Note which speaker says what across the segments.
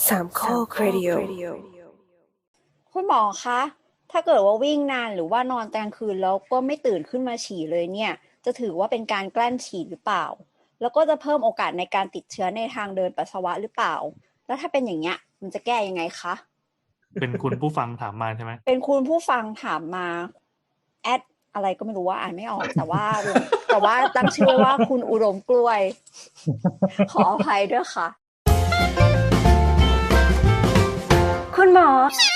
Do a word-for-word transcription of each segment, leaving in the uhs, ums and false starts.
Speaker 1: สามข้อครดิโอ
Speaker 2: คุณหมอคะถ้าเกิดว่าวิ่งนานหรือว่านอนกลางคืนแล้วก็ไม่ตื่นขึ้นมาฉี่เลยเนี่ยจะถือว่าเป็นการกลั้นฉี่หรือเปล่าแล้วก็จะเพิ่มโอกาสในการติดเชื้อในทางเดินปัสสาวะหรือเปล่าแล้วถ้าเป็นอย่างเงี้ยมันจะแก้ยังไงคะ
Speaker 3: เป็นคุณผู้ฟังถามมาใช่ไหม
Speaker 2: เป็นคุณผู้ฟังถามมาแอดอะไรก็ไม่รู้ว่าอ่านไม่ออกแต่ว่าแต่ว่าตั้งชื่อว่าคุณอุดมกล้วยขออภัยด้วยค่ะคุณหมอ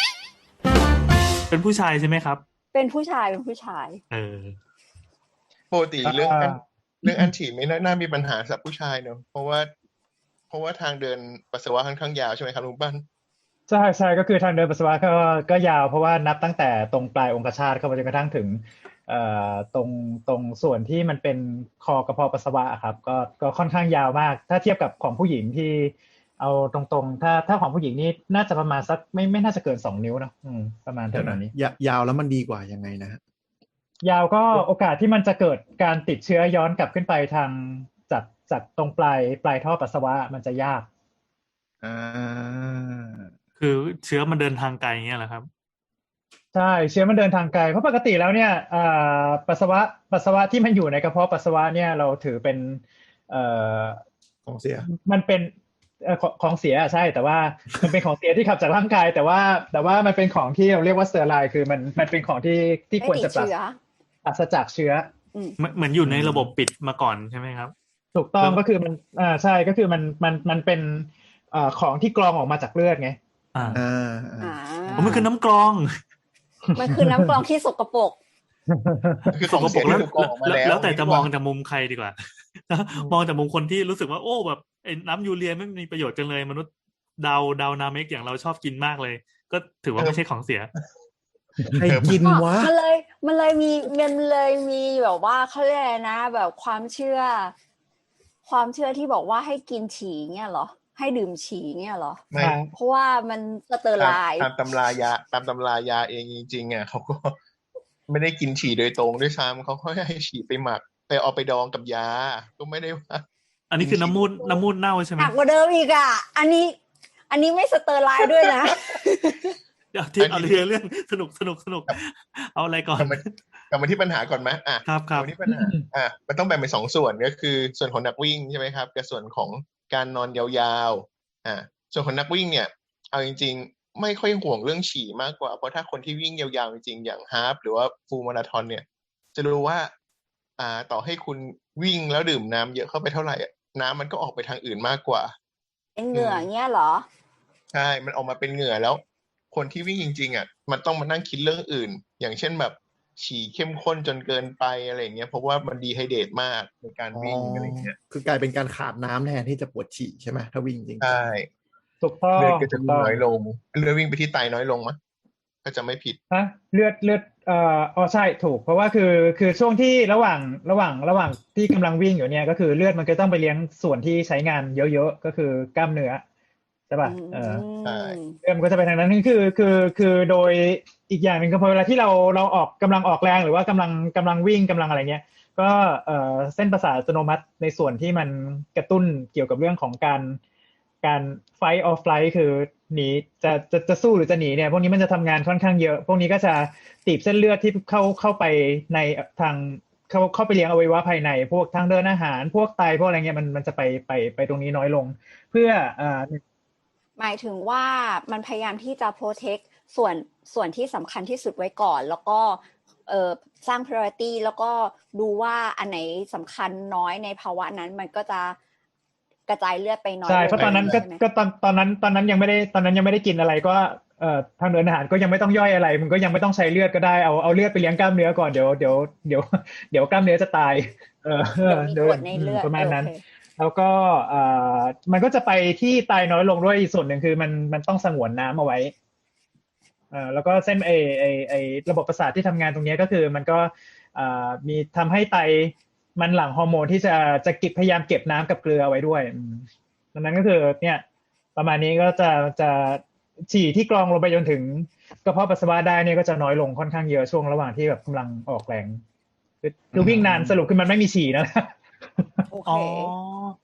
Speaker 3: เป็นผู้ชายใช่ไหมครับ
Speaker 2: เป็นผู้ชายเป็นผู้ชาย
Speaker 3: เออ
Speaker 4: ปกติเรื่องอันเรื่องอันฉี่ไม่น่ามีปัญหาสำหรับผู้ชายเนอะเพราะว่าเพราะว่าทางเดินปัสสาวะค่อนข้างยาวใช่ไหมครับลุงปั้น
Speaker 5: ใช่ใช่ก็คือทางเดินปัสสาวะก็ก็ยาวเพราะว่านับตั้งแต่ตรงปลายองคชาตเข้าไปจนกระทั่งถึงเอ่อตรงตรงส่วนที่มันเป็นคอกระเพาะปัสสาวะครับก็ก็ค่อนข้างยาวมากถ้าเทียบกับของผู้หญิงที่เอาตรงๆถ้าถ้าของผู้หญิงนี่น่าจะประมาณสักไม่ไม่น่าจะเกินสองนิ้วนะอืมประมาณเท่านี้
Speaker 6: ยาวแล้วมันดีกว่ายังไงนะฮะ
Speaker 5: ยาวก็โอกาสที่มันจะเกิดการติดเชื้อย้อนกลับขึ้นไปทางจากจากตรงปลายปลายท่อปัสสาวะมันจะยาก
Speaker 6: อ่า
Speaker 3: คือเชื้อมันเดินทางไกลอย่างเงี้ยเหรอครับ
Speaker 5: ใช่เชื้อมันเดินทางไกลเพราะปกติแล้วเนี่ยปัสสาวะปัสสาวะที่มันอยู่ในกระเพาะปัสสาวะเนี่ยเราถือเป็น
Speaker 6: ของเสีย
Speaker 5: มันเป็นของเสียใช่แต่ว่ามันเป็นของเสียที่ขับจากร่างกายแต่ว่าแต่ว่ามันเป็นของที่เราเรียกว่าสเตอร์ไลน์คือมันมันเป็นของที่ที่ควรจะปราศจากเชื้อ
Speaker 3: เหมือนอยู่ในระบบปิดมาก่อนใช่ไหมครับ
Speaker 5: ถูกต้องก็คือมันอ่าใช่ก็คือมันมันมันเป็นอ่าของที่กรองออกมาจากเลือดไง
Speaker 3: อ่า
Speaker 2: อ่า
Speaker 3: มันคือน้ำกรอง
Speaker 2: มันคือน้ำกรองที่สกปรก
Speaker 4: คือ
Speaker 3: สกปรกแล้วแล้วแต่จะมองจากมุมใครดีกว่ามองจากมุมคนที่รู้สึกว่าโอ้แบบไอ้น้ำยูเรียไม่มีประโยชน์จังเลยมนุษย์ดาวดาวนาเมกอย่างเราชอบกินมากเลยก็ถือว่าไม่ใช่ของเสีย
Speaker 6: ใครกินวะ
Speaker 2: มันเลยมันเลยมีมันเลยมีแบบว่าเขาเรียกอะไรนะแบบความเชื่อความเชื่อที่บอกว่าให้กินฉี่เงี้ยเหรอให้ดื่มฉี่เงี้ยเหรอ
Speaker 4: ไม่
Speaker 2: เพราะว่ามันสเตอร์ไลน์
Speaker 4: ตามตำรายาตามตำรายาเองจริงๆอ่ะเขาก็ไม่ได้กินฉี่โดยตรงด้วยซ้ำเขาก็ให้ฉี่ไปหมักไปเอาไปดองกับยาก็ไม่ได้ว่า
Speaker 3: อันนี้คือน้ำมูดน้ำมูดเน่าใช่ไหม
Speaker 2: หนักกว่าเดิมอีกอ่ะอันนี้อันนี้ไม่สเตอร์ไลน์ด้วยนะ
Speaker 3: เดี๋ยวที่เอาเรื่องเรื่องสนุกสนุกสนุกเอาอะไรก่อน
Speaker 4: กลับมาที่ปัญหาก่อนไหมอ่ะ
Speaker 3: ครับครับ
Speaker 4: ที่ปัญหาอ่ะมันต้องแบ่งเป็นสองส่วนก็คือส่วนของนักวิ่งใช่ไหมครับกับส่วนของการนอนยาวๆอ่ะส่วนของนักวิ่งเนี่ยเอาจริงๆไม่ค่อยห่วงเรื่องฉี่มากกว่าเพราะถ้าคนที่วิ่งยาวๆจริงๆอย่างฮาล์ฟหรือว่าฟูลมาราธอนเนี่ยจะรู้ว่าอ่าต่อให้คุณวิ่งแล้วดื่มน้ำเยอะเข้าไปเท่าไหร่น้ำมันก็ออกไปทางอื่นมากกว่า
Speaker 2: เป็นเหงื่อเงี้ยเหรอ
Speaker 4: ใช่มันออกมาเป็นเหงื่อแล้วคนที่วิ่งจริงๆอ่ะมันต้องมานั่งคิดเรื่องอื่นอย่างเช่นแบบฉี่เข้มข้นจนเกินไปอะไรเงี้ยเพราะว่ามันดีไฮเดรตมากในการวิ่งอะไรเงี้ย
Speaker 6: คือกลายเป็นการขาดน้ำแทนที่จะปวดฉี่ใช่ไหมถ้าวิ่งจริง
Speaker 4: ใช่
Speaker 5: ถูกต้อง
Speaker 4: เลือดก็จะน้อยลงเลือดวิ่งไปที่ไตน้อยลงมั้ยก็จะไม่ผิด
Speaker 5: ฮะเลือดเลือดเอ่ออ๋อใช่ถูกเพราะว่าคือคือช่วงที่ระหว่างระหว่างระหว่างที่กำลังวิ่งอยู่เนี่ยก็คือเลือดมันก็ต้องไปเลี้ยงส่วนที่ใช้งานเยอะๆก็คือกล้ามเนื้อใช่ป่ะเออ
Speaker 4: ใช่
Speaker 5: เรื่องมันก็จะไปทางนั้นคือคือคือโดยอีกอย่างนึงก็พอเวลาที่เราเราออกกำลังออกแรงหรือว่ากำลังกำลังวิ่งกำลังอะไรเงี้ยก็เอ่อเส้นประสาทอัตโนมัติในส่วนที่มันกระตุ้นเกี่ยวกับเรื่องของการการ fight or flight คือหนีจะจะจะสู้หรือจะหนีเนี่ยพวกนี้มันจะทำงานค่อนข้างเยอะพวกนี้ก็จะตีบเส้นเลือดที่เข้าเข้าไปในทางเข้าเข้าไปเลี้ยงอวัยวะภายในพวกทางเดินอาหารพวกไตพวกอะไรเงี้ยมันมันจะไปไปไปตรงนี้น้อยลงเพื่อเอ่อ
Speaker 2: หมายถึงว่ามันพยายามที่จะ protect ส่วนส่วนที่สำคัญที่สุดไว้ก่อนแล้วก็เอ่อสร้าง priority แล้วก็ดูว่าอันไหนสำคัญน้อยในภาวะนั้นมันก็จะกระจายเลือดไปน้อย
Speaker 5: ใช่เพราะตอนนั้นก็ก็ตอนตอนนั้นตอนนั้นยังไม่ได้ตอนนั้นยังไม่ได้กินอะไรก็เอ่อทางเดินอาหารก็ยังไม่ต้องย่อยอะไรมันก็ยังไม่ต้องใช้เลือดก็ได้เอาเอาเลือดไปเลี้ยงกล้ามเนื้อก่อนเดี๋ยวเดี๋ยวเดี๋ยวเดี๋ยวกล้ามเนื้อจะตายเออ
Speaker 2: เดี๋ยวในเลือด
Speaker 5: ประมาณนั้นแล้วก็เอ่อมันก็จะไปที่ไตน้อยลงด้วยอีกส่วนหนึ่งคือมันมันต้องสงวนน้ำเอาไว้เอ่อแล้วก็เส้นไอไอไอระบบประสาทที่ทำงานตรงนี้ก็คือมันก็เอ่อมีทำให้ไตมันหลั่งฮอร์โมนที่จะจะเก็บพยายามเก็บน้ำกับเกลือไว้ด้วยดังนั้นก็คือเนี่ยประมาณนี้ก็จะจะฉี่ที่กรองลงไปจนถึงกระเพาะปัสสาวะได้เนี่ยก็จะน้อยลงค่อนข้างเยอะช่วงระหว่างที่แบบกำลังออกแรงคือวิ่งนานสรุปคือมันไม่มีฉี่นะ
Speaker 3: อ๋ออ๋อ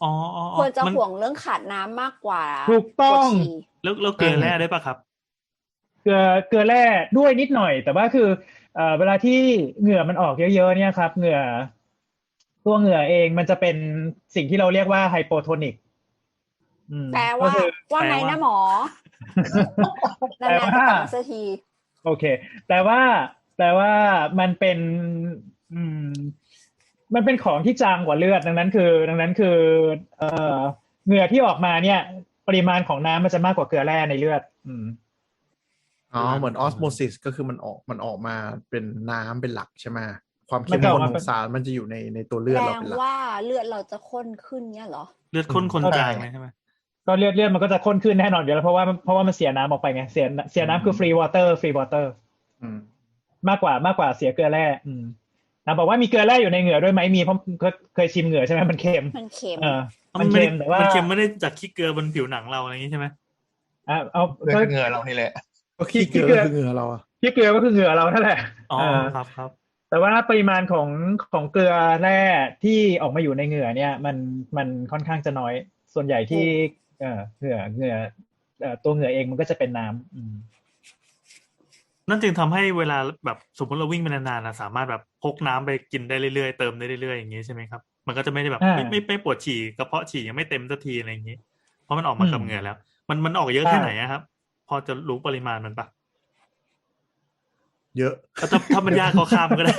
Speaker 3: อ๋ออ๋อ
Speaker 2: ควรจะ
Speaker 3: มัน
Speaker 2: ห่วงเรื่องขาดน้ำมากกว่า
Speaker 5: ถูกต้อง
Speaker 2: ปวดฉี่
Speaker 3: แล้วแล้วเกลือแร่ได้ปะครับ
Speaker 5: เกลือเกลือแร่ด้วยนิดหน่อย แต่ว่าคือเอ่อเวลาที่เหงื่อมันออกเยอะๆเนี่ยครับเหงื่อตัวเหงื่อเองมันจะเป็นสิ่งที่เราเรียกว่าไฮโปโทนิก
Speaker 2: แปลว่า
Speaker 5: ก็คือ
Speaker 2: ว่าไง
Speaker 3: แปลว่า
Speaker 2: นะหมอ
Speaker 5: แปล
Speaker 2: นานๆ
Speaker 5: ว่า
Speaker 2: จะกลับมาสักที
Speaker 5: โอเคแปลว่าแปลว่ามันเป็นอืมมันเป็นของที่จางกว่าเลือดดังนั้นคือ ดังนั้นคือเอ่อเหงื่อที่ออกมาเนี่ย ปริมาณของน้ำมันจะมากกว่าเกลือแร่ในเลือด อืม
Speaker 6: อ๋อเหมือนออสโมซิสก็คือมันออกมันออกมาเป็นน้ำเป็นหลักใช่ไหมความ
Speaker 5: มั
Speaker 6: เข้
Speaker 5: น
Speaker 6: ม
Speaker 5: จะอ
Speaker 6: ข้
Speaker 5: อก
Speaker 6: น
Speaker 5: มา
Speaker 6: ข
Speaker 5: เป็
Speaker 6: อน งสารมันจะอยู่ในในตัวเลือด
Speaker 2: แปล
Speaker 6: เราเป็นหลัก
Speaker 2: ว่าเลือดเราจะข้นขึ้นเนี่ยเหรอ
Speaker 3: เลือดข้นคน
Speaker 6: อืม
Speaker 3: จางเลยใช่ไหม
Speaker 5: ก็เลือดเลือดมันก็จะข้นขึ้นแน่นอนอยู่แล้วเพราะว่าเพราะว่ามันเสียน้ำออกไปไงเสียเสียน้ำคือฟรีวอเตอร์ฟรีวอเตอร์
Speaker 6: อืม
Speaker 5: มากกว่ามากกว่าเสียเกลือแร่อืมนะบอกว่ามีเกลือแร่อยู่ในเหงื่อด้วยไหมมีเพราะเคยเคยชิมเหงื่อใช่ไหมมันเค็ม
Speaker 2: มันเค็ม
Speaker 5: เออ
Speaker 3: อ๋อ
Speaker 5: มัน
Speaker 3: ไม่
Speaker 5: เค็
Speaker 3: ได้
Speaker 5: มแต่ว่า
Speaker 3: มันเค็มไม่ได้จากขี้เกลือบนผิวหนังเราอะไรอย่างนี้ใช่ไหม
Speaker 5: อ่ะเอา
Speaker 4: เลือด
Speaker 5: ก็
Speaker 4: คือเหงื่อเรานี่แหละ
Speaker 6: ก็ขี้เกลือก็คือเหงื่อเราอะ
Speaker 5: ที่เกลือก็คือเหงื่อเรานั่นแหละ
Speaker 3: อ๋อ
Speaker 5: เออ
Speaker 3: ครับครับ
Speaker 5: แต่ว่าปริมาณของของเกลือแร่ที่ออกมาอยู่ในเหงื่อเนี่ย มันมันค่อนข้างจะน้อยส่วนใหญ่ที่เออเหงื่อเหงื่อเอ่อตัวเหงื่อเองมันก็จะเป็นน้ำอืม
Speaker 3: นั่นจึงทำให้เวลาแบบสมมติเราวิ่งไปนานๆนะสามารถแบบพกน้ำไปกินได้เรื่อยๆเติมได้เรื่อยๆอย่างนี้ใช่ไหมครับมันก็จะไม่ได้แบบ
Speaker 5: อ่า
Speaker 3: ไม่ไม่ไม่ปวดฉี่กระเพาะฉี่ยังไม่เต็มสักทีอะไรอย่างนี้เพราะมันออกมา
Speaker 5: อืม
Speaker 3: กับเหงื่อแล้ว มันมันออกเยอะ
Speaker 5: ใช่
Speaker 3: แค่ไหนอะครับ พอจะรู้ปริมาณมันปะ
Speaker 6: เยอะ
Speaker 3: ถ้าถ้ามันยากก็ข้ามก็ได้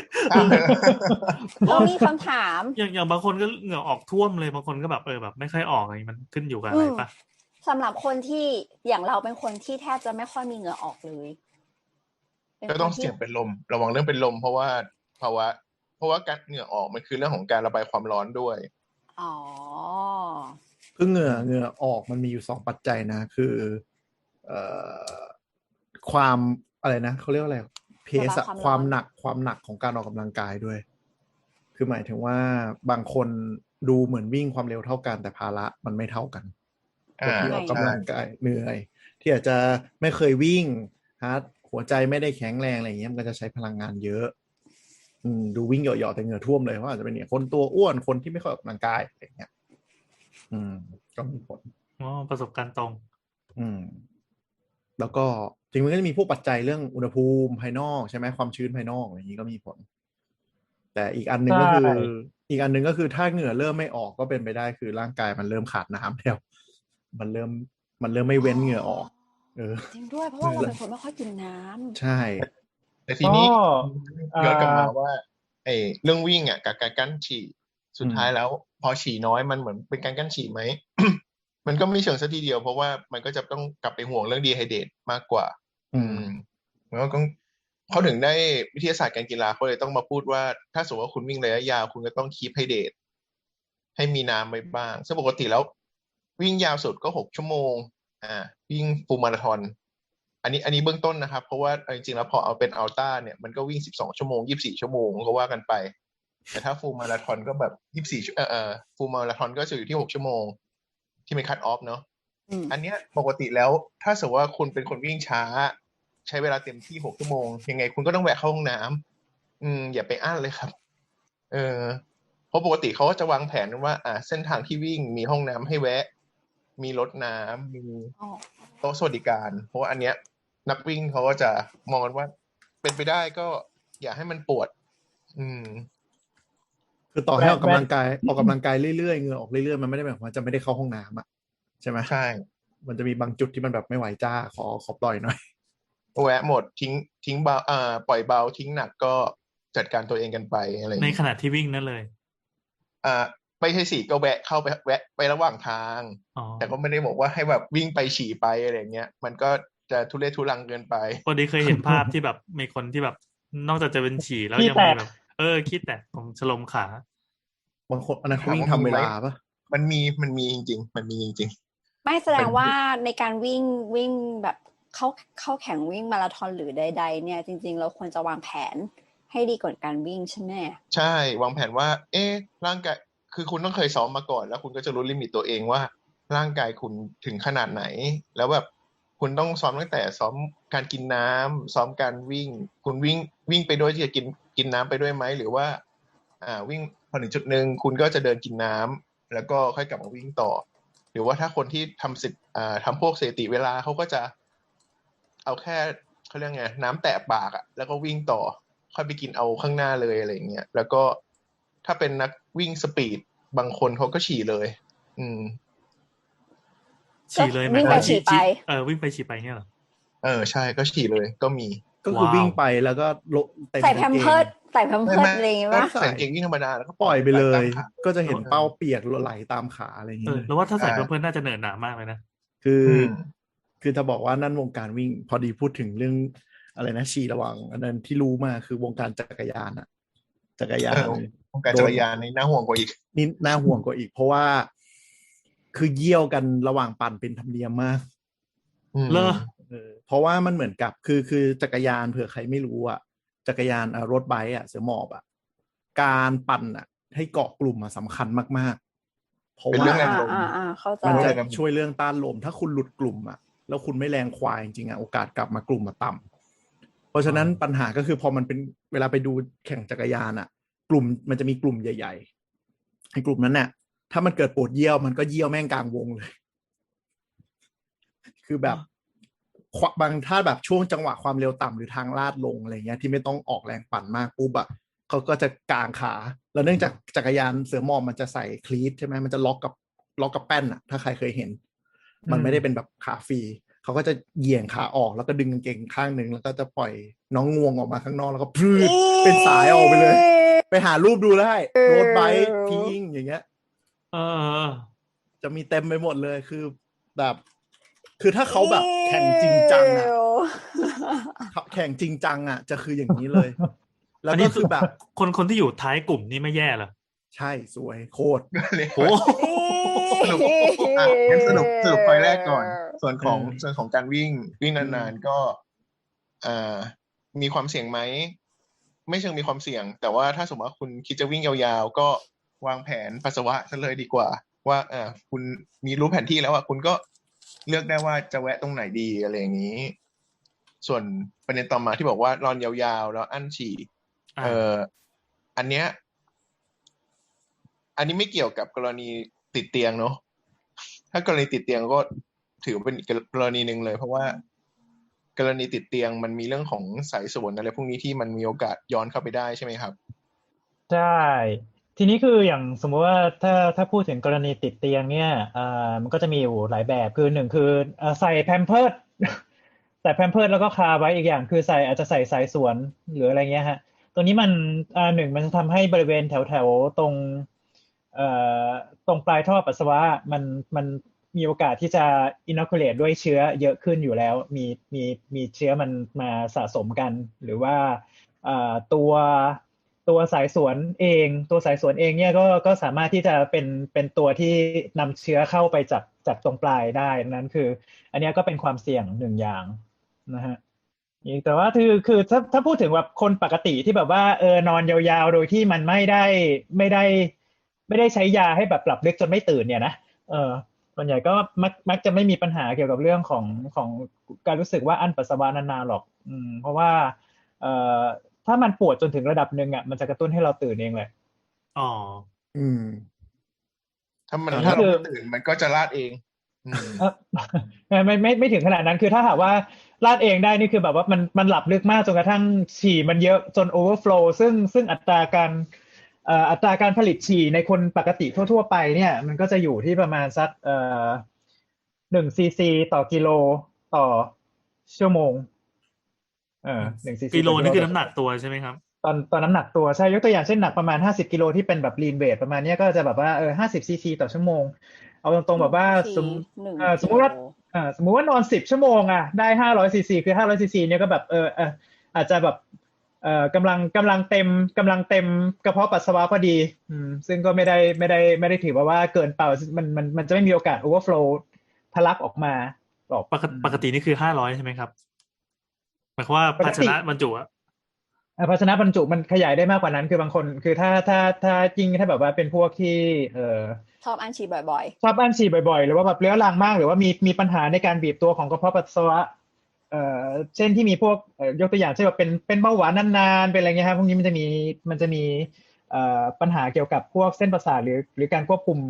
Speaker 2: เรามีคำถาม
Speaker 3: อย่างอย่างบางคนก็เหงื่อออกท่วมเลยบางคนก็แบบเออแบบไม่ค่อยออกอะไรมันขึ้นอยู่กับอะไรปะ
Speaker 2: สำหรับคนที่อย่างเราเป็นคนที่แทบจะไม่ค่อยมีเหงื่อออกเลยเป็น
Speaker 4: ก็ต้อง
Speaker 2: คนที่
Speaker 4: เสี่ยงเป็นลมระวังเรื่องเป็นลม เพราะว่าภาวะเพราะว่าการเหงื่อออกมันคือเรื่องของการระบายความร้อนด้วย
Speaker 2: อ๋อ
Speaker 6: คือเหงื่อเหงื่อออกมันมีอยู่สองปัจจัยนะคือเอ่อความอะไรนะเขาเรียกว่าอะไรเพสอะ
Speaker 2: ระบายความร้อน
Speaker 6: ความหนักความหนักของการออกกำลังกายด้วย คือหมายถึงว่าบางคนดูเหมือนวิ่งความเร็วเท่ากันแต่ภาระมันไม่เท่ากันคนที่ออกกำลังกายเหนื่อย ที่อาจจะไม่เคยวิ่งฮาร์ดหัวใจไม่ได้แข็งแรงอะไรอย่างเงี้ยมันก็จะใช้พลังงานเยอะอืมดูวิ่งเหยาะๆแต่เหงื่อท่วมเลยเพราะอาจจะเป็นเนี่ยคนตัวอ้วนคนที่ไม่ค่อยออกกำลังกายอะไรอย่างเงี้ยอืมก็มีผล
Speaker 3: อ๋อประสบการณ์ตรง
Speaker 6: อืมแล้วก็จริงๆมันก็จะมีพวกปัจจัยเรื่องอุณหภูมิภายนอกใช่ไหมความชื้นภายนอกอะไรอย่างนี้ก็มีผล แต่อีกอันหนึ่งก็คือ
Speaker 5: ใช่
Speaker 6: อีกอันหนึ่งก็คือถ้าเหงื่อเริ่มไม่ออกก็เป็นไปได้คือร่างกายมันเริ่มขาดน้ำแล้วมันเริ่มมันเริ่มไม่เว้นเหงื่อออก เออ
Speaker 2: จริงด้วยเพราะว่าเราเป็นคนไม่ค่อยกินน้ำ
Speaker 6: ใช่
Speaker 4: แต่ทีนี้
Speaker 5: ก็
Speaker 4: ย้อนกลับมา
Speaker 5: อ่า
Speaker 4: ว่าไอ้เรื่องวิ่งอ่ะกับการกั้นฉี่สุดท้ายแล้ว พอฉี่น้อยมันเหมือนเป็นการกั้นฉี่ไหม มันก็ไม่เชิงซะทีเดียวเพราะว่ามันก็จะต้องกลับไปห่วงเรื่องดีไฮเดรตมากกว่า
Speaker 6: อืม
Speaker 4: แล้วก็เขาถึงได้วิทยาศาสตร์การกีฬาเขาเลยต้องมาพูดว่าถ้าสมมติว่าคุณวิ่งระยะยาวคุณก็ต้องคีปไฮเดรตให้มีน้ำไว้บ้างซึ่งปกติแล้ว วิ่งยาวสุดก็หกชั่วโมงอ่าวิ่งฟูลมาราธอนอันนี้อันนี้เบื้องต้นนะครับเพราะว่าจริงๆแล้วพอเอาเป็นอัลต้าเนี่ยมันก็วิ่งสิบสองชั่วโมงยี่สิบสี่ชั่วโมงก็ว่ากันไปแต่ถ้าฟูลมาราธอนก็แบบยี่สิบสี่เอ่อเอ่อฟูลมาราธอนก็จะอยู่ที่หกชั่วโมงที่เป็นคัตออฟเนาะ
Speaker 2: อืม
Speaker 4: อันเนี้ยปกติแล้วถ้าสมมติว่าคุณเป็นคนวิ่งช้า ใช้เวลาเต็มที่หกชั่วโมงยังไงคุณก็ต้องแวะเข้าห้องน้ำอืมอย่าไปอั้นเลยครับ เออเพราะปกติเขาก็จะวางแผนว่าอ่าเส้นทางที่วิ่งมีห้องน้ำให้แวะ มีรถน้ำมี
Speaker 2: อ๋อ
Speaker 4: โต๊ะสวัสดิการ เพราะว่าอันเนี้ย นักวิ่งเขาก็จะมองกันว่า เป็นไปได้ก็อย่าให้มันปวด อืม
Speaker 6: คือต่อให้ออกกำลังกายออกกำลังกายเรื่อยๆเหงื่อออกเรื่อยๆมันไม่ได้หมายความว่าจะไม่ได้เข้าห้องน้ำอ่ะใช่ไหม
Speaker 4: ใช่
Speaker 6: มันจะมีบางจุดที่มันแบบไม่ไหวจ้าขอขอปล่อยหน่อย
Speaker 4: แวะหมดทิ้งทิ้งเบาอ่าปล่อยเบาทิ้งหนักก็จัดการตัวเองกันไปอะไรอย่าง
Speaker 3: ใน
Speaker 4: เงี้ย
Speaker 3: ขณะที่วิ่งนั่นเลย
Speaker 4: อ่าไม่ใช่สิก็แวะเข้าไปแวะไประหว่างทาง
Speaker 3: อ๋อ
Speaker 4: แต่ก็ไม่ได้บอกว่าให้แบบวิ่งไปฉี่ไปอะไรอย่างเงี้ยมันก็จะทุเรศทุรังเกินไป
Speaker 3: พอดีเคยเห็นภาพที่แบบมีคนที่แบบนอกจากจะเป็นฉี่แล้ว
Speaker 5: ขี้
Speaker 3: ยัง
Speaker 5: แต
Speaker 3: มี
Speaker 5: ก
Speaker 3: แบบ เออขี้แตกตรงชะลมขา
Speaker 6: บางคนอันนั้นเขาวิ่ง
Speaker 4: ถาม
Speaker 6: ทำ
Speaker 4: ว่ามี
Speaker 6: เว
Speaker 4: ไหม
Speaker 6: ลาปะ
Speaker 4: มันมีมันมีจริงๆมันมีจริง
Speaker 2: ไม่แสดงว่าในการวิ่งวิ่งแบบเข้าเข้าแข่งวิ่งมาราธอนหรือใดๆเนี่ยจริงๆเราควรจะวางแผนให้ดีก่อนการวิ่งใช่ไหม
Speaker 4: ๆ ใช่วางแผนว่า เอ๊ะร่างกายคือคุณต้องเคยซ้อมมาก่อน แล้วคุณก็จะรู้ลิมิตตัวเองว่า ร่างกายคุณถึงขนาดไหน แล้วแบบคุณต้องซ้อมตั้งแต่ซ้อมการกินน้ำซ้อมการวิ่ง คุณวิ่งวิ่งไปด้วยที่จะกินกินน้ำไปด้วยไหมหรือว่า อ่าวิ่งพอถึงจุดหนึ่งคุณก็จะเดินกินน้ำแล้วก็ค่อยกลับมาวิ่งต่อหรือว่าถ้าคนที่ทำสิอ่าทำพวกสถิติเวลาเขาก็จะเอาแค่เขาเรียกไงน้ำแตะปากอ่ะแล้วก็วิ่งต่อค่อยไปกินเอาข้างหน้าเลยอะไรอย่างเงี้ยแล้วก็ถ้าเป็นนักวิ่งสปีดบางคนเขาก็ฉี่เลย อืม
Speaker 3: ฉี่เลยหมาย
Speaker 2: วิ่ง
Speaker 3: ถึง
Speaker 2: ไป
Speaker 3: ว่า
Speaker 2: ฉี่ไป
Speaker 3: เออวิ่งไปฉี่ไปเนี่ยเหรอ
Speaker 4: เออใช่ก็ฉี่เลยก็มี
Speaker 6: ก็คือ
Speaker 3: ว้าว
Speaker 6: วิ่งไปแล้วก็ลงเต็ม
Speaker 2: ใส่
Speaker 6: กาง
Speaker 2: แพม
Speaker 6: เก
Speaker 2: เพิร์
Speaker 6: ง
Speaker 2: สใส่แพมเพิร์สอะไรอย่างเงี้ย
Speaker 4: ก็
Speaker 2: ปะ
Speaker 4: ใส่กางเกงวิ่งธรรมดาแล้วก็
Speaker 6: ปล่อยไปเลย
Speaker 4: ตามขา
Speaker 6: ก็จะเห็นเป้าเปียกไหลตามขาอะไรอย่าง
Speaker 3: เอ
Speaker 6: เงี้
Speaker 3: อย แล้วว่าถ้าใส่เพื่อนๆน่าจะเหนื่อยหนามากเลยนะ
Speaker 6: คืออ
Speaker 4: ม
Speaker 6: คือถ้าบอกว่านั่นวงการวิ่งพอดีพูดถึงเรื่องอะไรนะฉี่ระวังอันนั้นที่รู้มาคือวงการจักรยานอะจักรยา
Speaker 4: เอน อวงการจักรยานนี่น่าห่วงกว่าอีก
Speaker 6: นี่น่าห่วงกว่าอีก เพราะว่า คือเยี่ยวกันระหว่างปั่นเป็นธรรมเนียมมาก
Speaker 4: อืม
Speaker 3: เลอ
Speaker 6: เออเพราะว่ามันเหมือนกับคือคือจักรยานเผื่อใครไม่รู้อ่ะจักรยานอ่ะรถไบค์อ่ะเสือหมอบอ่ะการปั่นอ่ะให้เกาะกลุ่มอ่ะสำคัญมากๆเพราะ
Speaker 4: เป็น
Speaker 6: ว่า
Speaker 4: เรื่องแรงลม
Speaker 2: อ่าอ่าเข้าใจ
Speaker 6: มันจะ
Speaker 4: แรงลม
Speaker 6: ช่วยเรื่องต้านลมถ้าคุณหลุดกลุ่มอ่ะแล้วคุณไม่แรงควายจริงๆอ่ะโอกาสกลับมากลุ่มมาต่ำเพราะฉะนั้นปัญหาก็คือพอมันเป็นเวลาไปดูแข่งจักรยานอ่ะ กลุ่มมันจะมีกลุ่มใหญ่ๆไอ้กลุ่มนั้นเนี่ยถ้ามันเกิดปวดเยี่ยวมันก็เยี่ยวแม่งกลางวงเลย คือแบบบางถ้าแบบช่วงจังหวะความเร็วต่ำหรือทางลาดลงอะไรเงี้ยที่ไม่ต้องออกแรงปั่นมากปุ๊บอะเขาก็จะกางขาแล้วเนื่องจากจักรยานเสือหมอบมันจะใส่คลีทใช่ไหมมันจะล็อกกับล็อกกับแป้นอะถ้าใครเคยเห็น มันไม่ได้เป็นแบบขาฟรีเขาก็จะเหยี่ยงขาออกแล้วก็ดึงกางเกงข้างหนึ่งแล้วก็จะปล่อยน้องงวงออกมาข้างนอกแล้วก็พรืดเป็นสายออกไปเลย ไปหารูปดูได้โรดไบค์พิงอย่างเงี้ย
Speaker 3: เออ
Speaker 6: จะมีเต็มไปหมดเลยคือแบบคือถ้าเขาแบบแข่งจริงจังอะแข่งจริงจังอะจะคืออย่างนี้เลย แล้ว
Speaker 3: อันนี้
Speaker 6: ก็คือแบบ
Speaker 3: คนคนที่อยู่ท้ายกลุ่มนี่ไม่แย่เหรอ
Speaker 6: ใช่สวยโคตร
Speaker 4: เลย
Speaker 3: โอ้
Speaker 4: สรุปอ่ะงั้นสรุปสรุปพอยแรกก่อน ส่วนของ
Speaker 6: เออ
Speaker 4: ส่วนของการวิ่งวิ่งนานๆก็อ่ามีความเสี่ยงไหมไม่เชิงมีความเสี่ยง แต่ว่าถ้าสมมติว่าคุณคิดจะวิ่งยาวๆก็วางแผนปัสสาวะซะเลยดีกว่า ว่าอ่าคุณมีรู้แผนที่แล้วอ่ะคุณก็เลือกได้ว่าจะแวะตรงไหนดีอะไรอย่างนี้ ส่วนประเด็นต่อมาที่บอกว่านอนยาวๆแล้วอั้นฉี่
Speaker 3: อ่า
Speaker 4: เอออันเนี้ยอันนี้ไม่เกี่ยวกับกรณีติดเตียงเนาะถ้ากรณีติดเตียงก็ถือเป็นกรณีหนึ่งเลย เพราะว่ากรณีติดเตียงมันมีเรื่องของสายส่วนอะไรพวกนี้ที่มันมีโอกาสย้อนเข้าไปได้ใช่ไหมครับ
Speaker 5: ใช่ทีนี้คืออย่างสมมุติว่าถ้าถ้าพูดถึงกรณีติดเตียงเนี่ยอ่ามันก็จะมีอยู่หลายแบบคือหนึ่งคือเอ่อใส่แพมเพิร์ส ใส่แพมเพิร์สแล้วก็คาไว้อีกอย่างคือใส่อาจจะใส่สายสวนหรืออะไรเงี้ยฮะตัวนี้มันอ่าหนึ่งมันทำให้บริเวณแถวแถวตรงเอ่อตรงปลายท่อปัสสาวะมันมันมีโอกาสที่จะ inoculate ด้วยเชื้อเยอะขึ้นอยู่แล้วมีมีมีเชื้อมันมาสะสมกันหรือว่าอ่าตัวตัวสายสวนเองตัวสายสวนเองเนี่ยก็ก็สามารถที่จะเป็นเป็นตัวที่นำเชื้อเข้าไปจากจากตรงปลายได้นั้นคืออันนี้ก็เป็นความเสี่ยงหนึ่งอย่างนะฮะแต่ว่าคือคือถ้าถ้าพูดถึงแบบคนปกติที่แบบว่าเออนอนยาวๆโดยที่มันไม่ได้ไม่ได้ไม่ได้ใช้ยาให้แบบหลับลึกจนไม่ตื่นเนี่ยนะเออส่วนใหญ่ก็มักมักจะไม่มีปัญหาเกี่ยวกับเรื่องของของการรู้สึกว่าอั้นปัสสาวะนานๆหรอกอืมเพราะว่าเอ่อถ้ามันปวดจนถึงระดับหนึ่งอ่ะมันจะกระตุ้นให้เราตื่นเองแหละ
Speaker 3: อ๋อ
Speaker 6: อืม
Speaker 4: ถ้ามัน
Speaker 6: อ่า
Speaker 4: ถ้าเราไม่ตื่นมันก็จะลาดเอง อืม
Speaker 5: เออ ไม่ไม่ไม่ไม่ถึงขนาดนั้นคือถ้าหากว่าลาดเองได้นี่คือแบบว่ามันมันหลับลึกมากจนกระทั่งฉี่มันเยอะจนโอเวอร์โฟลว์ซึ่งซึ่งอัตราการเอ่ออัตราการผลิตฉี่ในคนปกติทั่วๆไปเนี่ยมันก็จะอยู่ที่ประมาณสักเอ่อหนึ่งซีซีต่อกิโลต่อชั่วโมงเออหนึ่งซีซี
Speaker 3: กิโลนี่คือน้ำหนักตัวใช่ไหมครับ
Speaker 5: ตอนตอนน้ำหนักตัวใช่ยกตัวอย่างเช่นหนักประมาณห้าสิบกิโลที่เป็นแบบลีนเวทประมาณนี้ก็จะแบบว่าเออห้าสิบซีซีต่อชั่วโมงเอาตรงๆแบบว่าสม
Speaker 2: หนึ่ง
Speaker 5: เอ่อสมมุติว่า อ่าสมมุติว่านอนสิบชั่วโมงอ่ะได้ห้าร้อยซีซีคือห้าร้อยซีซีเนี่ยก็แบบเออเอออาจจะแบบเอ่อกำลังกำลังเต็มกำลังเต็มกระเพาะปัสสาวะพอดีอืมซึ่งก็ไม่ได้ไม่ได้ไม่ได้ถือว่าว่าเกินเปล่ามันมันมันจะไม่มีโอกาสโอเวอร์โฟลว์ทะลักออกมาหรอก
Speaker 3: ปกติปกตินี่คือห้าร้อยใช่ไหมครับหมายความว่าภาชนะบรรจุอะ
Speaker 5: อ่าภาชนะบรรจุมันขยายได้มากกว่านั้นคือบางคนคือถ้าถ้าถ้าจริงถ้าแบบว่าเป็นพวกที่เอ่อ
Speaker 2: ชอบอั้นฉี่บ่อย
Speaker 5: ชอบอั้นฉี่บ่อยๆหรือว่าแบบเรื้อรังมากหรือว่ามีมีปัญหาในการบีบตัวของกระเพาะปัสสาวะเอ่อเช่นที่มีพวกเอ่อยกตัวอย่างเช่นแบบเป็นเป็นเบาหวานนานๆเป็นอะไรเงี้ยครับพวกนี้มันจะมีมันจะมีเอ่อปัญหาเกี่ยวกับพวกเส้นประสาทหรือหรือการควบคุม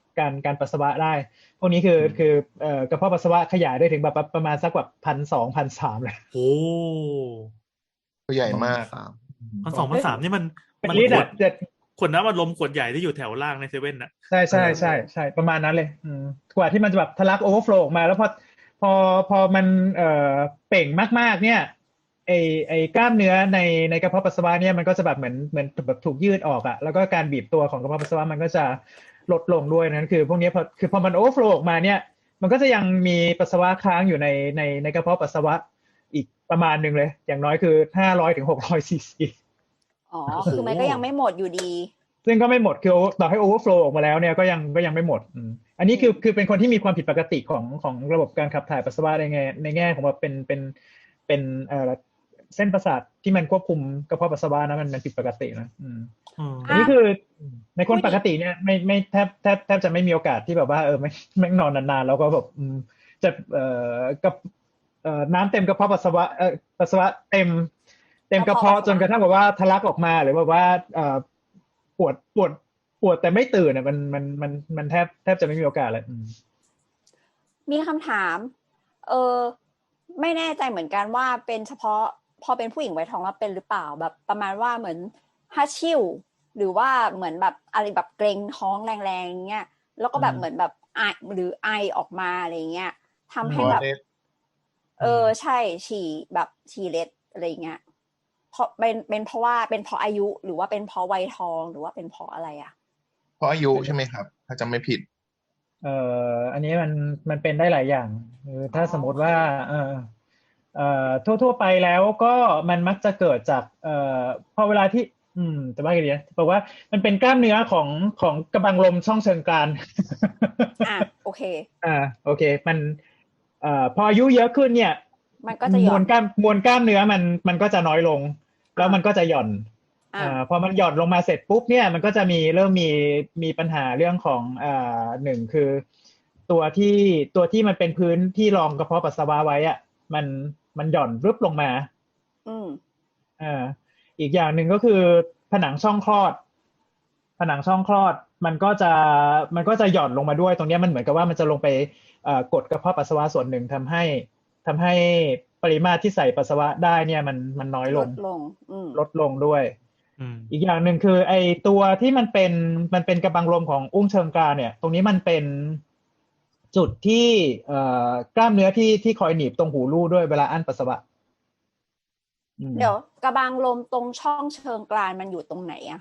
Speaker 5: การการปัสสาวะได้พวกนี้คือคือเอ่อกระเพาะปัสสาวะขยายได้ถึงแบบประมาณสักแบบพันสองพันสามเลย
Speaker 3: โอ้
Speaker 4: ตัวใหญ่มาก
Speaker 6: สาม
Speaker 3: พันสองพันสามนี่มัน
Speaker 5: เป็น
Speaker 3: มัน
Speaker 5: ลิตร
Speaker 3: ขว
Speaker 5: อะ
Speaker 3: ด
Speaker 5: เจ็ด
Speaker 3: ขวดน้ำอัดลมขวดใหญ่ที่อยู่แถวล่างในเซเว่นน่ะ
Speaker 5: ใช่ใช่ใช่ใช่ประมาณนั้นเลยอืมกว่าที่มันจะแบบทะลักโอเวอร์โฟลว์ออกมาแล้วพอพอพอมันเอ่อเป่งมากๆเนี่ยไอไอกล้ามเนื้อในในกระเพาะปัสสาวะเนี่ยมันก็จะแบบเหมือนเหมือนแบบถูกยืดออกอะแล้วก็การบีบตัวของกระเพาะปัสสาวะมันก็จะลดลงด้วยนั่นคือพวกนี้พอคือพอมันโอเวอร์โฟลว์ออกมาเนี่ยมันก็จะยังมีปัสสาวะค้างอยู่ในในในกระเพาะปัสสาวะอีกประมาณหนึ่งเลยอย่างน้อยคือห้าร้อยถึงหกร้อยซีซี
Speaker 2: อ๋อคือมันก็ยังไม่หมดอยู่ดี
Speaker 5: ซึ่งก็ไม่หมดคือต่อให้โอเวอร์โฟลว์ออกมาแล้วเนี่ยก็ยังก็ยังไม่หมดอืมอันนี้คือคือเป็นคนที่มีความผิดปกติของของระบบการขับถ่ายปัสสาวะในแง่ในแง่ของว่าเป็นเป็นเป็นเอ่อเส้นประสาทที่มันควบคุมกระเพาะปัสสาวะนะมันมันผิดปกตินะอืม
Speaker 3: อืม
Speaker 5: อันนี้คือในคนปกติเนี่ยไม่ไม่แทบแทบแทบจะไม่มีโอกาสที่แบบว่าเออไม่ไม่นอนนานๆแล้วก็แบบอืมจะเอ่อกับเอ่อน้ำเต็มกระเพาะปัสสาวะเอ่อปัสสาวะเต็มเต็มกระเพาะจนกระทั่งแบบว่าทะลักออกมาหรือแบบว่าเอ่อปวดปวดปวดแต่ไม่ตื่นอ่ะมันมันมันมันแทบแทบจะไม่มีโอกาสเลยอืม
Speaker 2: มีคำถาม เออไม่แน่ใจเหมือนกันว่าเป็นเฉพาะพอเป็นผู้หญิงไวท้องแล้วเป็นหรือเปล่าแบบประมาณว่าเหมือนฮัชชิวหรือว่าเหมือนแบบอะไรแบบเกรงท้องแรงๆเงี้ยแล้วก็แบบ
Speaker 5: อืม
Speaker 2: เหมือนแบบไอหรือไอออกมาอะไรเงี้ยทำให้
Speaker 4: ตัว
Speaker 2: แบบ
Speaker 4: เล็ก
Speaker 2: เออใช่ฉี่แบบฉี่เล็ดอะไรเงี้ยเพราะเป็นเป็นเพราะว่าเป็นเพราะอายุหรือว่าเป็นเพราะวัยทองหรือว่าเป็นเพราะอะไรอ่ะ
Speaker 4: เพราะอายุใช่ไหมครับ ถ้าจำไม่ผิด
Speaker 5: เอ่ออันนี้มันมันเป็นได้หลายอย่างคือถ้าสมมติว่าเอ่อเอ่อทั่วๆไปแล้วก็มันมักจะเกิดจากเอ่อพอเวลาที่อืมแต่ว่าไงดีนะบอกว่ามันเป็นกล้ามเนื้อของของกระบังลมช่องเชิงกราน
Speaker 2: อ่ะโอเค
Speaker 5: อ่าโอเคมันเอ่อพออายุเยอะขึ้นเนี่ย
Speaker 2: มันก็จะหย่
Speaker 5: ม
Speaker 2: อ
Speaker 5: วน ลกล้ามมวลกล้ามเนื้อมันมันก็จะน้อยลง แล้วมันก็จะหย่อน
Speaker 2: อ่า
Speaker 5: อ่าพอมันหย่อนลงมาเสร็จปุ๊บเนี่ยมันก็จะมีเริ่มมีมีปัญหาเรื่องของอ่าหนึ่งคือ ตัวที่ตัวที่มันเป็นพื้นที่รองกระเพาะปัสสาวะไว้อะมันมันหย่อนรึบลงมา
Speaker 2: อืม
Speaker 5: อ่าอีกอย่างหนึ่งก็คือผนังช่องคลอด ผนังช่องคลอดมันก็จะมันก็จะหย่อนลงมาด้วยตรงนี้มันเหมือนกับว่ามันจะลงไปเอ่อกดกระเพาะปัสสาวะส่วนหนึ่งทำให้ทำให้ปริมาตรที่ใส่ปัสสาวะได้เนี่ยมันมันน้อยล
Speaker 2: ล
Speaker 5: ง
Speaker 2: ดลง อืม
Speaker 5: ลดลงด้วย
Speaker 3: อืม
Speaker 5: อีกอย่างหนึ่งคือไอตัวที่มันเป็นมันเป็นกระบังลมของอุ้งเชิงกรานเนี่ย ตรงนี้มันเป็นจุดที่เอ่อกล้ามเนื้อที่ที่คอยหนีบตรงหูรูดด้วยเวลาอั้นปัสสาวะอืม
Speaker 2: เดี๋ยวกระบังลมตรงช่องเชิงกรานมันอยู่ตรงไหนอะ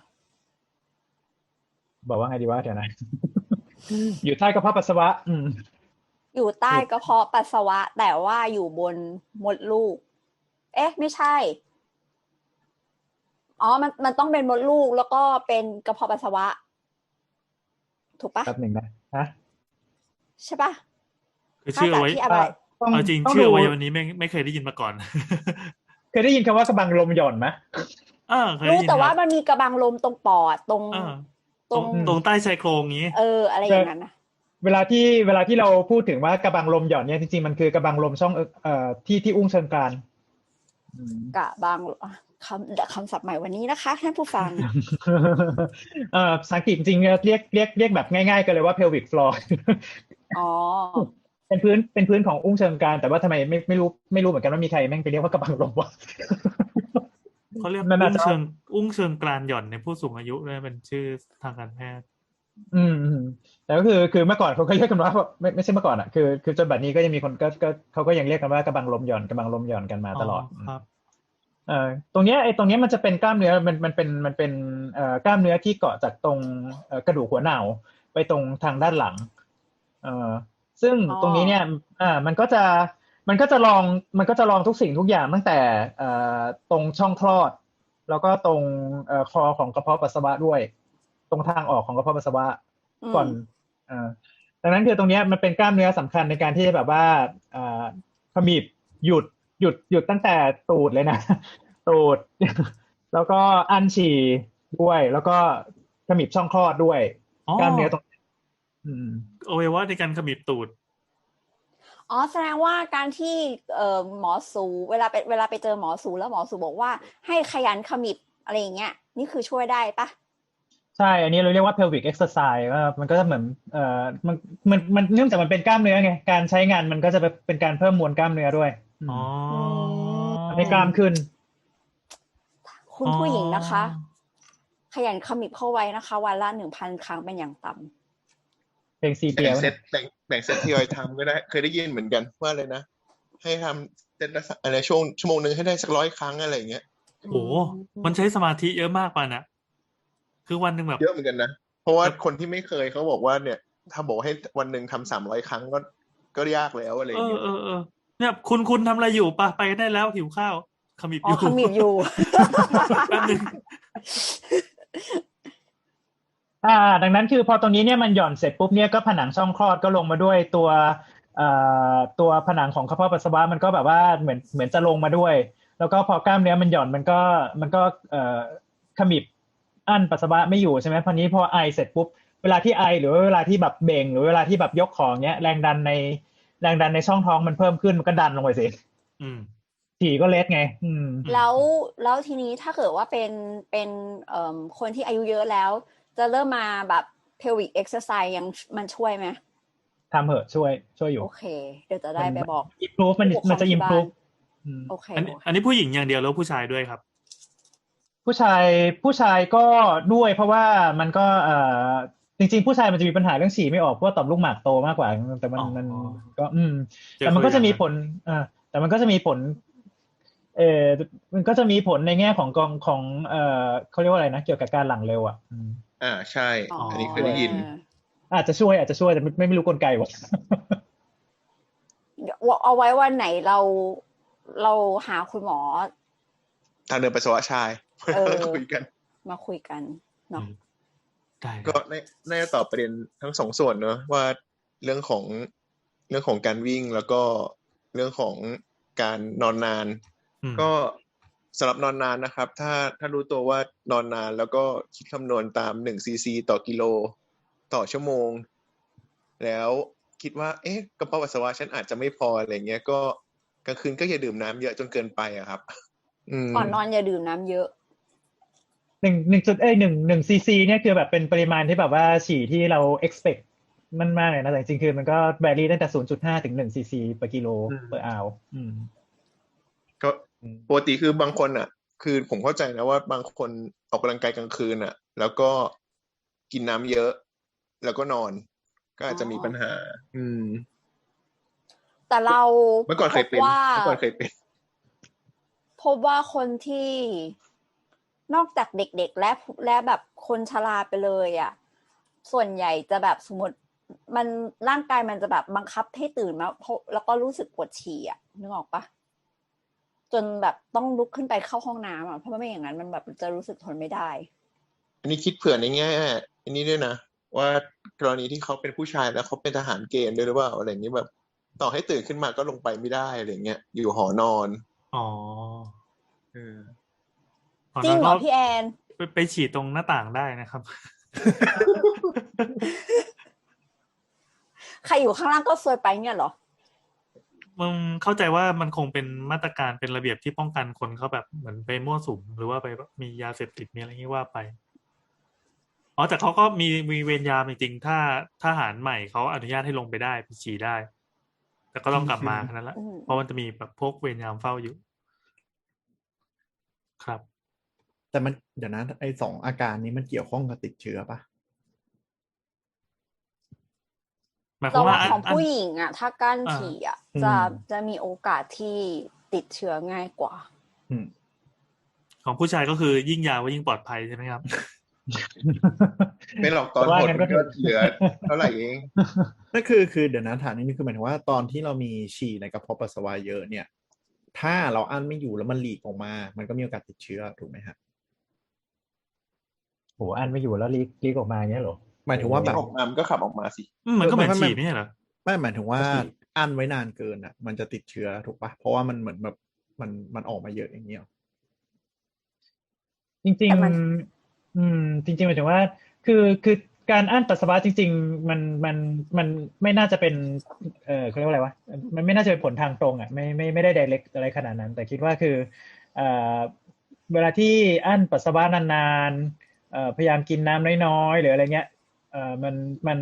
Speaker 5: บอกว่าไงดีวะเดี๋ยวนะ อยู่ใต้กระเพาะปัสสาวะ อืม
Speaker 2: อยู่ใต้กระเพาะปัสสาวะ แต่ว่าอยู่บนมดลูก เอ๊ะ ไม่ใช่ อ๋อ มันมันต้องเป็นมดลูกแล้วก็เป็นกระเพาะปัสสาวะ ถูกปะ
Speaker 5: แป๊บหนึ่งนะฮะ
Speaker 2: ใช่ปะ
Speaker 3: คือชื่อเอาไว้
Speaker 2: ที่อะไร
Speaker 5: ต้อง
Speaker 3: เอาจริง
Speaker 5: ต้อง
Speaker 3: ชื่อ
Speaker 5: ดู
Speaker 3: เอาไว้วันนี้ไม่ไม่เคยได้ยินมาก่อน
Speaker 5: เคยได้ยินคำว่ากระบังลมหย่อนไหม
Speaker 3: เออเคย
Speaker 2: รู้
Speaker 3: ได้ยิน
Speaker 2: แต่
Speaker 3: ค
Speaker 2: ว่า
Speaker 3: รับ
Speaker 2: มันมีกระบังลมตรงปอดตรง
Speaker 3: เออ
Speaker 2: ต
Speaker 3: ต
Speaker 2: ร
Speaker 3: รง งตรงใต้ชายโครงนี้
Speaker 2: เออ อะไรอย่างนั้นนะ
Speaker 5: เวลาที่เวลาที่เราพูดถึงว่ากระบังลมหย่อนเนี่ยจริงๆมันคือกระบังลมช่องเอ่อเอ่อที่ที่อุ้งเชิงกรานอืม
Speaker 2: กระบังคำคำศัพท์ใหม่วันนี้นะคะท่านผู้ฟัง
Speaker 5: เอ่อภาษาอังกฤษจริงๆเรียกเรียกเรียกแบบง่ายๆกันเลยว่า pelvic floor
Speaker 2: อ๋อ
Speaker 5: เป็นพื้นเป็นพื้นของอุ้งเชิงกรานแต่ว่าทำไมไม่ไม่รู้ไม่รู้เหมือนกันว่ามีใครแม่งไปเรียกว่ากระบังลมวะ
Speaker 3: เขาเรียก
Speaker 5: นั่นน่า
Speaker 3: อุ้ง
Speaker 5: จะ
Speaker 3: เชิงอุ้งเชิงกรานหย่อนในผู้สูงอายุด้วยเป็นชื่อทางการแพทย์
Speaker 5: อืมอืมแต่ก็คือคือเมื่อก่อนเขาก็เรียกกันว่าไม่ไม่ใช่เมื่อก่อนอ่ะคือคือจนบัดนี้ก็ยังมีคนก็ก็เขาก็ยังเรียกกันว่ากระบังลมหย่อนกระบังลมหย่อนกันมาตลอด
Speaker 3: ครับ
Speaker 5: เอ่อตรงเนี้ยไอ้ตรงเนี้ยมันจะเป็นกล้ามเนื้อมันมันเป็นมันเป็นเอ่อกล้ามเนื้อที่เกาะจากตรงเอ่อกระดูกหัวเหน่าไปตรงทางด้านหลังเอ่อซึ่ง
Speaker 2: อ๋อ
Speaker 5: ตรงนี้เนี่ยอ่ามันก็จะมันก็จะลองมันก็จะลองทุกสิ่งทุกอย่างตั้งแต่เอ่อตรงช่องคลอด แล้วก็ตรงเอ่อคอของกระเพาะปัสสาวะด้วย ตรงทางออกของกระเพาะปัสสาวะ
Speaker 2: อืม
Speaker 5: ก่อนเอ่อดังนั้นคือตรงเนี้ยมันเป็นกล้ามเนื้อสำคัญในการที่จะแบบว่าอ่าขมิบหยุดหยุดหยุดตั้งแต่ตูดเลยนะ ตูด แล้วก็อั้นฉี่ด้วย แล้วก็ขมิบช่องคลอดด้วย
Speaker 3: อ๋อก
Speaker 5: ล้ามเนื้อตรงอืม
Speaker 3: อวัยวะในการขมิบตูด
Speaker 2: อ๋อแสดงว่าการที่เอ่อหมอสูเวลาไปเวลาไปเจอหมอสูแล้วหมอสูบอกว่าให้ขยันขมิบอะไรอย่างเงี้ยนี่คือช่วยได้ปะ
Speaker 5: ใช่อันนี้เราเรียกว่า pelvic exercise ว่ามันก็จะเหมือนเอ่อมันมันมันเนื่องจากมันเป็นกล้ามเนื้อไงการใช้งานมันก็จะเป็นการเพิ่มมวลกล้ามเนื้อด้วย
Speaker 3: อ๋อ
Speaker 5: ทำให้กล้ามขึ้น
Speaker 2: คุณผู้หญิงนะคะขยันขมิบเข้าไว้นะคะวันละหนึ่งพันครั้งเป็นอย่างต่ำ
Speaker 5: เพลงซีเปีย
Speaker 4: แบ่งเซตแบ่งแบ่งเซตทยอยทำก็ได้เคยได้ยินเหมือนกันว่าเลยนะให้ทำเซตละอะไรช่วงชั่วโมงนึงให้ได้สักร้อยครั้งอะไรอย่างเงี้ย
Speaker 3: โอ้มันใช้สมาธิเยอะมากป่ะนะคือวันหนึ่งแบบ
Speaker 4: เยอะเหมือนกันนะเพราะว่าคนที่ไม่เคยเขาบอกว่าเนี่ยถ้าบอกให้วันหนึ่งทำสามร้อยครั้งก็ก็ยากแล้วอะไรอย่างเงี้ย
Speaker 3: เออเออเนี่ยคุณคุณทำอะไรอยู่ป่ะไปได้แล้วหิวข้าวขมิบอยู่
Speaker 2: ขมิบอยู่
Speaker 3: แป๊บนึง
Speaker 5: อ่าดังนั้นคือพอตรงนี้เนี่ยมันหย่อนเสร็จปุ๊บเนี่ยก็ผนังช่องคลอดก็ลงมาด้วยตัวเอ่อตัวผนังของกระเพาะปัสสาวะมันก็แบบว่าเหมือนเหมือนจะลงมาด้วยแล้วก็พอกล้ามเนื้อมันหย่อนมันก็มันก็เอ่อขมิบอั้นปัสสาวะไม่อยู่ใช่ไหมพอนี้พอไอเสร็จปุ๊บเวลาที่ไอหรือเวลาที่แบบเบ่งหรือเวลาที่แบบยกของเนี้ยแรงดันในแรงดันในช่องท้องมันเพิ่มขึ้นมันก็ดันลงไปสิ
Speaker 3: อืม
Speaker 5: ฉี่ก็เล็ดไงอืม
Speaker 2: แล้วแล้วทีนี้ถ้าเกิดว่าเป็นเป็นเอ่อคนที่อายุเยอะแล้วจะเริ่มมาแบบ pelvic exercise ยังมันช่วยไหม
Speaker 5: ทำเหอะช่วยช่วยอยู่
Speaker 2: โอเคเดี๋ยวจะได้ไปบอก
Speaker 5: improve มันมันจะ improve
Speaker 2: โอเค
Speaker 3: อันนี้อันนี้ผู้หญิงอย่างเดียวแล้วผู้ชายด้วยครับ
Speaker 5: ผู้ชายผู้ชายก็ด้วยเพราะว่ามันก็เอ่อจริงๆผู้ชายมันจะมีปัญหาเรื่องฉี่ไม่ออกเพราะว่าต่อมลูกหมากโตมากกว่าแต่มันมันก็อืมแต่มันก็จะมีผลอ่าแต่มันก็จะมีผลเออมันก็จะมีผลในแง่ของกองของเอ่อเขาเรียกว่าอะไรนะเกี่ยวกับการหลั่งเร็วอ่ะ
Speaker 4: อ่าใช่อันนี้เคยได้ยิน
Speaker 5: อาจจะช่วยอาจจะช่วยแต่ไม่ไม่รู้กลไกว่ะ
Speaker 2: เอาไว้วันไหนเราเราหาคุณหมอ
Speaker 4: ทางเดินปัสสาวะชายคุยกัน
Speaker 2: มาคุยกันเนาะ
Speaker 4: ก็น่าจะตอบประเด็นทั้งสองส่วนเนอะว่าเรื่องของเรื่องของการวิ่งแล้วก็เรื่องของการนอนนานก็สำหรับนอนนานนะครับถ้าถ้ารู้ตัวว่านอนนานแล้วก็คิดคำนวณตามหนึ่งซีซีต่อกิโลต่อชั่วโมงแล้วคิดว่าเอ๊ะกระเพาะปัสสาวะฉันอาจจะไม่พออะไรเงี้ยก็กลางคืนก็อย่าดื่มน้ำเยอะจนเกินไปอะครับ
Speaker 2: ก่อนนอนอย่าดื่มน้ำเยอะ
Speaker 5: หนึ่งหนึ่งจุดเอ้ยหนึ่งหนึ่งซีซีเนี่ยคือแบบเป็นปริมาณที่แบบว่าฉี่ที่เรา expect มันมากเลยนะแต่จริงๆคือมันก็แวรี่ตั้งแต่ ศูนย์จุดห้า ถึงหนึ่งซีซีต่อกิโลเปอร์อาว
Speaker 4: ก็ปกติคือบางคนอ่ะคือผมเข้าใจนะว่าบางคนออกกำลังกายกลางคืนอ่ะแล้วก็กินน้ำเยอะแล้วก็นอนก็อาจจะมีปัญหาอืม
Speaker 2: แต่เรา
Speaker 4: เมื่อก่อนเคยเป็นเมื่อก่อนเคยเป็น
Speaker 2: พบว่าคนที่นอกจากเด็กๆและและแบบคนชราไปเลยอ่ะส่วนใหญ่จะแบบสมมติมันร่างกายมันจะแบบบังคับให้ตื่นมาแล้วก็รู้สึกปวดฉี่อ่ะนึกออกปะจนแบบต้องลุกขึ้นไปเข้าห้องน้ำอ่ะเพราะไม่อย่างนั้นมันแบบจะรู้สึกทนไม่ได้
Speaker 4: อันนี้คิดเผื่อในแง่อันนี้ด้วยนะว่ากรณีที่เขาเป็นผู้ชายแล้วเขาเป็นทหารเกณฑ์ด้วยหรือเปล่าอะไรอย่างนี้แบบต่อให้ตื่นขึ้นมาก็ลงไปไม่ได้อะไรเงี้ยอยู่หอนอน
Speaker 3: อ๋อ
Speaker 4: เออ
Speaker 2: จริงเหรอพี่แอน
Speaker 3: ไปไปฉีดตรงหน้าต่างได้นะครับ
Speaker 2: ใครอยู่ข้างล่างก็ซวยไปเนี่ยเหรอ
Speaker 3: มึงเข้าใจว่ามันคงเป็นมาตรการเป็นระเบียบที่ป้องกันคนเขาแบบเหมือนไปมั่วสุมหรือว่าไปมียาเสพติดมีอะไรอย่างนี้ว่าไปอ๋อแต่เขาก็มีมีเวรยามจริงๆถ้าทหารใหม่เขาอนุญาตให้ลงไปได้ไปฉี่ได้แต่ก็ต้องกลับมาแค่นั้นแหละเพราะมันจะมีแบบพวกเวรยามเฝ้าอยู่ครับ
Speaker 6: แต่มันเดี๋ยวนะไอ้สองอาการนี้มันเกี่ยวข้องกับติดเชื้อปะ
Speaker 2: แต่ว่าของผู้หญิงอ่ะถ้ากั้นฉี่อ่ะจะจะมีโอกาสที่ติดเชื้อง่ายกว่า
Speaker 3: ของผู้ชายก็คือยิ่งยาวก็ยิ่งปลอดภัยใช่ไหมครับ
Speaker 4: ไม่หรอกตอนหดก็เหลือเท่าไหร่เอง
Speaker 6: นั่นคือคือเดี๋ยวนะถามนี่คือหมายถึงว่าตอนที่เรามีฉี่ในกระเพาะปัสสาวะเยอะเนี่ยถ้าเราอั้นไม่อยู่แล้วมันหลีกออกมามันก็มีโอกาสติดเชื้อถูกไหมฮะ
Speaker 5: โหอั้นไม่อยู่แล้วลีกลีกออกมาเงี้ยหรอ
Speaker 6: หมายถึงว่าแบบ
Speaker 4: ออกมามันก็ขับออกมาสิ
Speaker 3: มันก็เหมือนฉี่ไม่ใช่เหรอ
Speaker 6: ไม่หมายถึงว่าอั้นไว้นานเกินอ่ะมันจะติดเชื้อถูกปะเพราะว่ามันเหมือนแบบมันมันออกมาเยอะอย่างเงี้ย
Speaker 5: จริงๆอืมจริงๆหมายถึงว่าคือคือการอั้นปัสสาวะจริงๆมันมันมันไม่น่าจะเป็นเออเขาเรียกว่าอะไรวะมันไม่น่าจะเป็นผลทางตรงอ่ะไม่ไม่ไม่ได้ direct อะไรขนาดนั้นแต่คิดว่าคือเอ่อเวลาที่อั้นปัสสาวะนานๆเอ่อพยายามกินน้ำน้อยๆหรืออะไรเงี้ยเอ่อมันมัน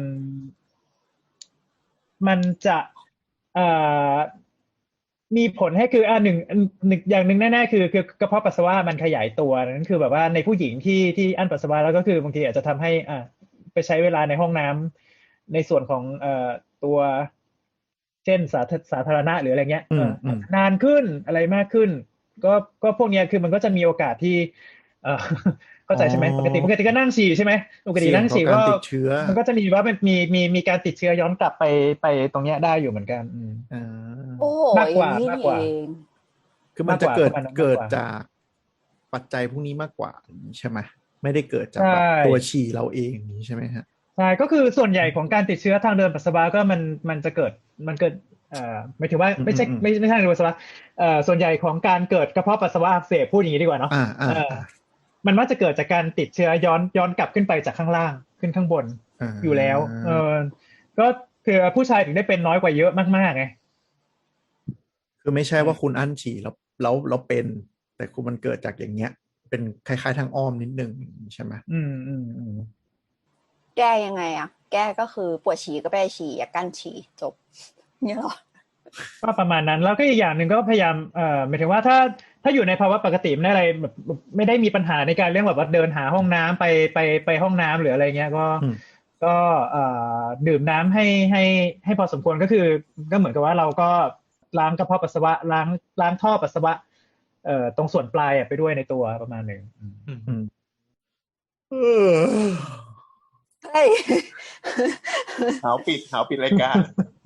Speaker 5: มันจะเอ่อมีผลให้คืออ่าหนึ่งหนึ่งอย่างหนึ่งแน่ๆคือคือกระเพาะปัสสาวะมันขยายตัวนั่นคือแบบว่าในผู้หญิงที่ที่อั้นปัสสาวะแล้วก็คือบางทีอาจจะทำให้อ่าไปใช้เวลาในห้องน้ำในส่วนของเอ่อตัวเช่นสาธสาธารณะหรืออะไรเงี้ย
Speaker 6: อื
Speaker 5: เอ่
Speaker 6: ม
Speaker 5: อ
Speaker 6: อืม
Speaker 5: นานขึ้นอะไรมากขึ้น ก็ก็พวกเนี้ยคือมันก็จะมีโอกาสที่เอ่อ เข้าใจใช่ไหม
Speaker 6: อ๋อ
Speaker 5: ปกติปกติก็นั่งฉี่ใช่ไหมปกติ
Speaker 6: เสี่ยง
Speaker 5: นั่ง
Speaker 6: ต่อ
Speaker 5: ฉี่
Speaker 6: กา
Speaker 5: ก็
Speaker 6: รติดเชื้อ
Speaker 5: มันก็จะมีว่ามันมีมีมีการติดเชื้อย้อนกลับไปไปตรงเนี้ยได้อยู่เหมือนกันอืม
Speaker 6: อ่า
Speaker 2: โอ้โห
Speaker 5: มากกว่า
Speaker 2: อย่งนี้
Speaker 5: มาก
Speaker 2: นี่
Speaker 5: กว่า
Speaker 2: เอง
Speaker 6: คือมันจะเกิด
Speaker 5: มากกว่าประมาณนั้นมากกว่า
Speaker 6: เกิดจากปัจจัยพวกนี้มากกว่าอย่างนี้ใช่ไหมไม่ได้เกิดจาก
Speaker 5: ใช่
Speaker 6: แบบตัวฉี่เราเองอย่างนี้ใช่ไหมฮะ
Speaker 5: ใช่ก็คือส่วนใหญ่ของการติดเชื้อทางเดินปัสสาวะก็มันมันจะเกิดมันเกิดเอ่อหมายถึงว่า
Speaker 6: อืม
Speaker 5: ไม่ใช่
Speaker 6: อืม
Speaker 5: ไม่ไม่ใช่ทางเดินปัสสาวะเอ่อส่วนใหญ่ของการเกิดกระเพาะปัสสาวะอักเสบพูดอย่างนี้ดีกว่าเนาะ
Speaker 6: อ่าอ่า
Speaker 5: เออมันมักจะเกิดจากการติดเชื้อย้อนย้อนกลับขึ้นไปจากข้างล่างขึ้นข้างบน
Speaker 6: อ่า
Speaker 5: อยู่แล้ว เออก็คือผู้ชายถึงได้เป็นน้อยกว่าเยอะมากๆไง
Speaker 6: คือไม่ใช่ว่าคุณอั้นฉี่แล้วแล้วแล้วเป็น แต่คุณมันเกิดจากอย่างเงี้ย เป็นคล้ายๆทางอ้อมนิดนึงใช่ไหม
Speaker 5: อืมอืมอืม
Speaker 2: แก้ยังไงอะแก้ก็คือปวดฉี่ก็ไปฉี่อย่ากั้นฉี่จบเนี่ยหรอ
Speaker 5: ก็ประมาณนั้นแล้วก็อีกอย่างหนึ่งก็พยายามเอ่อหมายถึงว่าถ้าถ้าอยู่ในภาวะปกติไม่ได้อะไรแบบไม่ได้มีปัญหาในการเรื่องแบบว่าเดินหาห้องน้ำไปไปไปห้องน้ำหรืออะไรเงี้ยก็
Speaker 6: อืม
Speaker 5: ก็เอ่อดื่มน้ำให้ให้ให้พอสมควรก็คือก็เหมือนกับว่าเราก็ล้างกระเพาะปัสสาวะล้างล้างท่อปัสสาวะเอ่อตรงส่วนปลายอะไปด้วยในตัวประมาณหนึ่งอืม
Speaker 3: อืม
Speaker 6: อืมเออ
Speaker 2: เฮ้ย
Speaker 4: หาวปิดหาวปิดรายการ